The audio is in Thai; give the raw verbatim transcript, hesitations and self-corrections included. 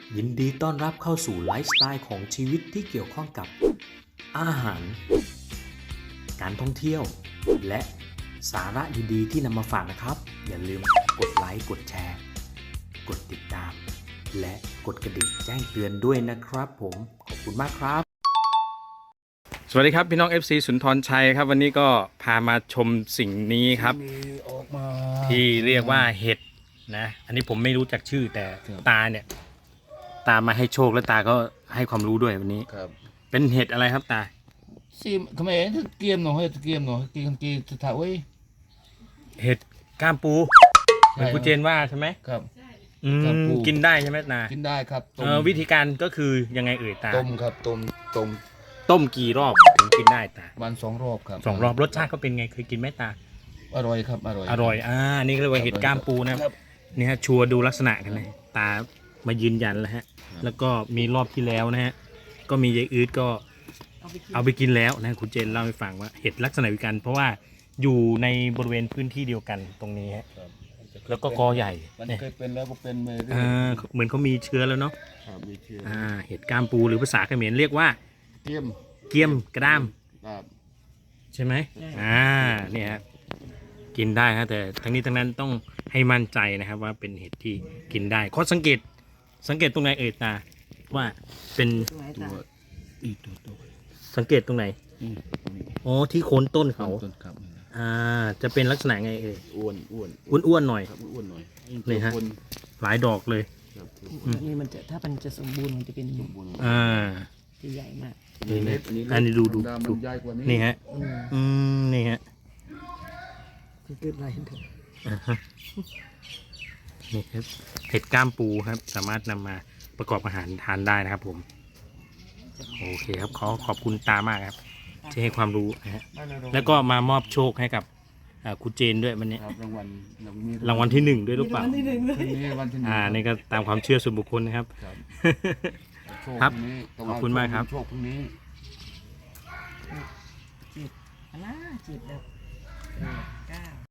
ยินดีต้อนรับเข้าสู่ไลฟ์สไตล์ของชีวิตที่เกี่ยวข้องกับอาหาร การท่องเที่ยว และสาระดีๆที่นำมาฝากนะครับ อย่าลืมกดไลค์ กดแชร์ กดติดตาม และกดกระดิ่งแจ้งเตือนด้วยนะครับผม ขอบคุณมากครับสวัสดีครับพี่น้อง เอฟ ซี สุนทรชัยครับวันนี้ก็พามาชมสิ่งนี้ครับออกมาที่เรียกว่าเห็ดนะอันนี้ผมไม่รู้จักชื่อแต่ตาเนี่ยตามาให้โชคและตาก็ให้ความรู้ด้วยวันนี้ครับเป็นเห็ดอะไรครับตาซิมทำไมถ้าเกียมหน่อยถ้าเกียมหน่อยเกียมกีจะถ่ายไว้เห็ดก้ามปูเหมือนคุณเจนว่าใช่ไหมครับอืมก้ามปูกินได้ใช่ไหมตากินได้ครับต้เอมอวิธีการก็คือยังไงเอ่ยตาต้มครับต้มต้มต้มกี่รอบถึงกินได้ตาวันสองรอบครับสองรอบรสชาติเขาเป็นไงเคยกินไหมตาอร่อยครับอร่อยอร่อยอ่านี่ก็เรียกว่าเห็ดก้ามปูนะครับ นี่ฮะชัวร์ดูลักษณะกันเลยตามายืนยันแล้วฮะแล้วก็มีรอบที่แล้วนะฮะก็มียายอืดก็เอาไปกินแล้วนะคุณเจนเล่าให้ฟังว่าเห็ดลักษณะวิกันเพราะว่าอยู่ในบริเวณพื้นที่เดียวกันตรงนี้ฮะครับแล้วก็กอใหญ่มันเนี่ยเคยเป็นแล้วก็เป็นมาเรื่อยอ่าเหมือนเขามีเชื้อแล้วเนาะครับมีเชื้ออ่าเห็ดก้ามปูหรือภาษาเขมรเรียกว่าเกียมเกียมกระด้ามครับใช่ไหมอ่าเนี่ยฮะกินได้ฮะแต่ทั้งนี้ทั้งนั้นต้องให้มั่นใจนะครับว่าเป็นเห็ดที่กินได้ข้อสังเกตสังเกตตรงไหนเอ่ยตาว่าเป็นตัวอีกตัวตัวสังเกตตรงไหนอืมตรงนี้อ๋อที่โคนต้นเขาต้นครับอ่าจะเป็นลักษณะไงเอ่ยอ้วนอ้วนอ้วนๆหน่อยครับอ้วนหน่อยนี่ฮะคนหลายดอกเลยครับอันนี้มันจะถ้ามันจะสมบูรณ์มันจะเป็นสมบูรณ์อ่าที่ใหญ่มากนี่นะเล็กอันนี้ดูดูธรรมดูมันใหญ่กว่านี้นี่ฮะอืมอืมนี่ฮะคือเกิดอะไรขึ้นเถอะอ่าฮะนี่ครับเห็ดก้ามปูครับ สามารถนำมาประกอบอาหารทานได้นะครับผมโอเคครับขอขอบคุณตามากครับที่ให้ความรู้นะฮะแล้วก็มามอบโชคให้กับอ่าคุณเจนด้วยวันนี้ครับรางวัลรางวัลที่หนึ่งด้วยหรือเปล่าพรุ่งนี้วันที่หนึ่งอ่านี่ก็ตามความเชื่อส่วนบุคคลนะครับครับโชครับพงนี้แต่ขว่าอบคุณมากครับโชคพรุ่งนี้จีบอันน่าจีบแบบเออเก้า